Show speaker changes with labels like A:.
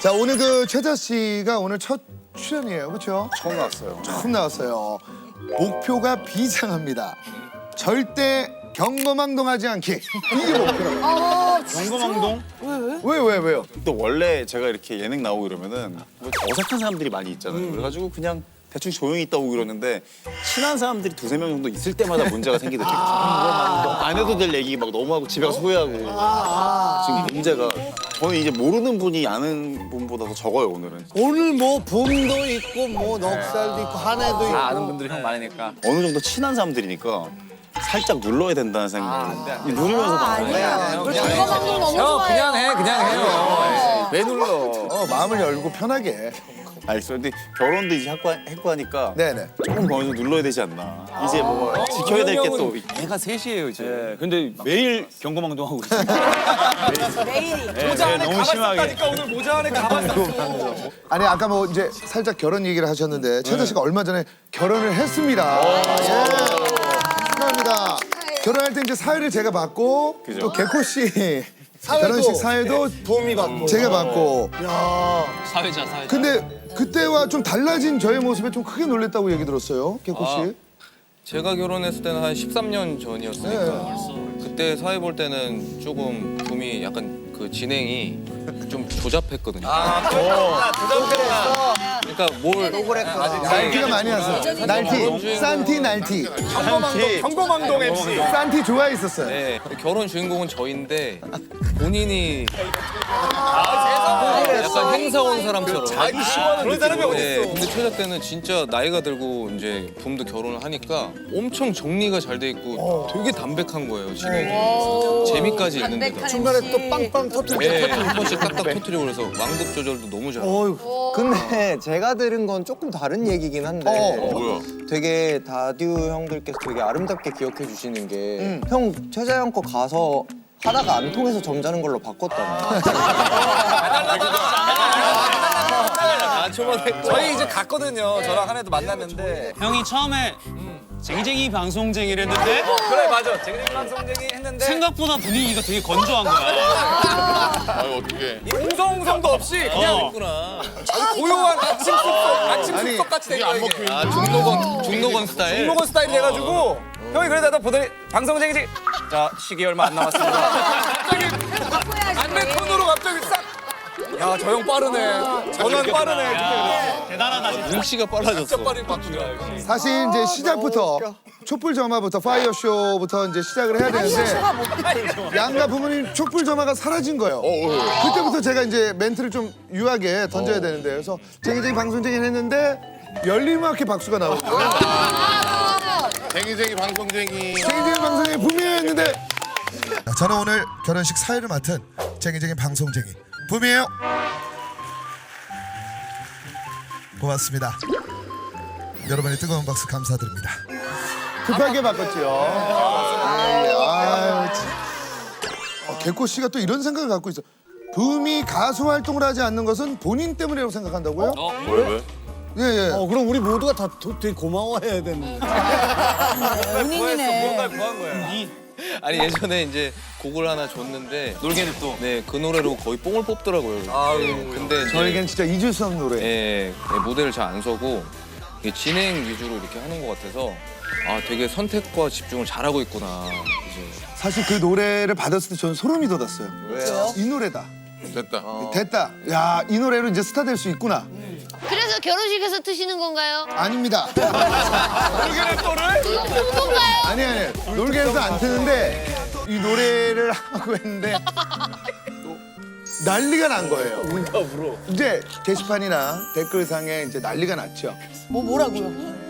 A: 자, 오늘 그 최자 씨가 오늘 첫 출연이에요, 그렇죠?
B: 처음 나왔어요.
A: 처음 나왔어요. 목표가 비장합니다. 절대 경거망동하지 않기. 이게 목표라고.
C: 경거망동?
A: 왜요?
B: 또 원래 제가 이렇게 예능 나오고 이러면은 뭐 어색한 사람들이 많이 있잖아요. 그래가지고 그냥 대충 조용히 있다 오고 그러는데 친한 사람들이 두세 명 정도 있을 때마다 문제가 생기더라고요. 안 해도 될 얘기 막 너무 하고 집에 가서 후회하고. 지금 문제가 저는 이제 모르는 분이 아는 분보다 더 적어요, 오늘은.
D: 오늘 뭐 봄도 있고 뭐 넉살도 있고 한해도 있고.
C: 다 아는 분들이 형 많으니까.
B: 어느 정도 친한 사람들이니까 살짝 눌러야 된다는 생각. 누르면서 방송해요.
E: 경거망동 너무
C: 형
E: 좋아요.
C: 그냥 해, 그냥 해요. 왜 눌러?
A: 마음을 열고 편하게.
B: 알겠어요. 근데 결혼도 이제 했고 하니까
A: 네네.
B: 조금 어느 정도 눌러야 되지 않나. 이제 뭐 지켜야 될 게 또.
C: 애가 셋이에요 이제.
F: 네, 근데 매일 경거망동하고 있어요.
E: 매일이.
F: 모자 안에 너무 심하게.
C: 오늘 모자 안에 가발 쌌어.
A: 아니 아까 뭐 이제 살짝 결혼 얘기를 하셨는데 최자 씨가 얼마 전에 결혼을 했습니다. 예. 축하합니다. 결혼할 때 이제 사회를 제가 받고
B: 그죠.
A: 또 개코 씨 결혼식 사회도
D: 도움이 받고.
A: 제가 받고.
F: 사회자.
A: 근데 그때와 좀 달라진 저의 모습에 좀 크게 놀랬다고 얘기 들었어요, 개코 씨.
G: 제가 결혼했을 때는 한 13년 전이었으니까 그때 사회 볼 때는 조금 붐이 약간 그 진행이 좀 조잡했거든요. 그러니까 뭘
A: 날티가 많이 왔어요. 날티, 산티 날티.
C: 경거망동 MC.
A: 산티 좋아했었어요.
G: 네, 결혼 주인공은 저인데 본인이 약간 행사 온 사람처럼
C: 자기 시원한 그런 사람이
G: 네,
C: 어딨어.
G: 근데 최자 때는 진짜 나이가 들고 이제 붐도 결혼을 하니까 엄청 정리가 잘 돼 있고 되게 담백한 거예요, 진행이. 재미까지 있는데도.
D: 중간에 또 빵빵 터뜨리고.
G: 네, 한 번씩 딱딱 터트리고 그래서 왕급 조절도 너무 잘하고.
H: 근데 제가 들은 건 조금 다른 얘기긴 한데 되게 다듀 형들께서 되게 아름답게 기억해 주시는 게 형 최자 형 거 가서 하다가 안 통해서 점잖은 걸로 바꿨다며.
C: 저희 이제 갔거든요. 저랑 한 해도 만났는데.
F: 형이 처음에 쟁쟁이 방송쟁이를 했는데
C: 그래 맞아. 쟁쟁이 방송쟁이 했는데.
F: 생각보다 분위기가 되게 건조한 거야.
C: 웅성웅성도 없이 그냥 아주 고요한 아침 숲속 같이 된 거야 이게.
G: 아, 중노건 스타일.
C: 중노건 스타일이 돼가지고 형이 그러다가 보더니 방송쟁이지. 자 시기 얼마 안 남았습니다. 갑자기 안내 톤으로 갑자기 싹. 야 저 형 빠르네. 전환 빠르네.
F: 대단하다 진짜.
G: 눈치가 빨라졌어.
C: 진짜 빠르게 바꾸더라.
A: 사실 이제 시작부터 촛불 점화부터 파이어 쇼부터 이제 시작을 해야 되는데 양가 부모님 촛불 점화가 사라진 거예요. 그때부터 제가 이제 멘트를 좀 유하게 던져야 되는데 그래서 쟁이쟁이 방송쟁이 했는데 열림음악회 박수가 나오고
B: 쟁이쟁이 방송쟁이.
A: 쟁이쟁이 방송쟁이 붐이었는데 저는 오늘 결혼식 사회를 맡은 쟁이쟁이 방송쟁이 붐이에요. 고맙습니다. 여러분의 뜨거운 박수 감사드립니다. 급하게 바꿨죠. 개코 씨가 또 이런 생각을 갖고 있어. 붐이 가수 활동을 하지 않는 것은 본인 때문이라고 생각한다고요?
B: 왜?
A: 예.
D: 그럼 우리 모두가 다 되게 고마워해야 되는.
E: 본인이네.
C: 뭔가 구한 거야.
G: 아니 예전에 이제 곡을 하나 줬는데
F: 놀게는 또.
G: 네, 그 노래로 거의 뽕을 뽑더라고요. 근데 이제
A: 저에겐 진짜 잊을 수 없는 노래.
G: 예, 무대를 잘 안 서고 이게 진행 위주로 이렇게 하는 것 같아서 아 되게 선택과 집중을 잘하고 있구나. 이제
A: 사실 그 노래를 받았을 때 저는 소름이 돋았어요. 왜요? 이 노래다. 됐다. 야, 이 노래로 이제 스타 될 수 있구나.
E: 그래서 결혼식에서 트시는 건가요?
A: 아닙니다.
E: 건가요?
A: 아니. 놀게에서 안 트는데 이 노래를 하고 했는데 난리가 난 거예요. 이제 게시판이나 댓글상에 이제 난리가 났죠.
E: 뭐라고요?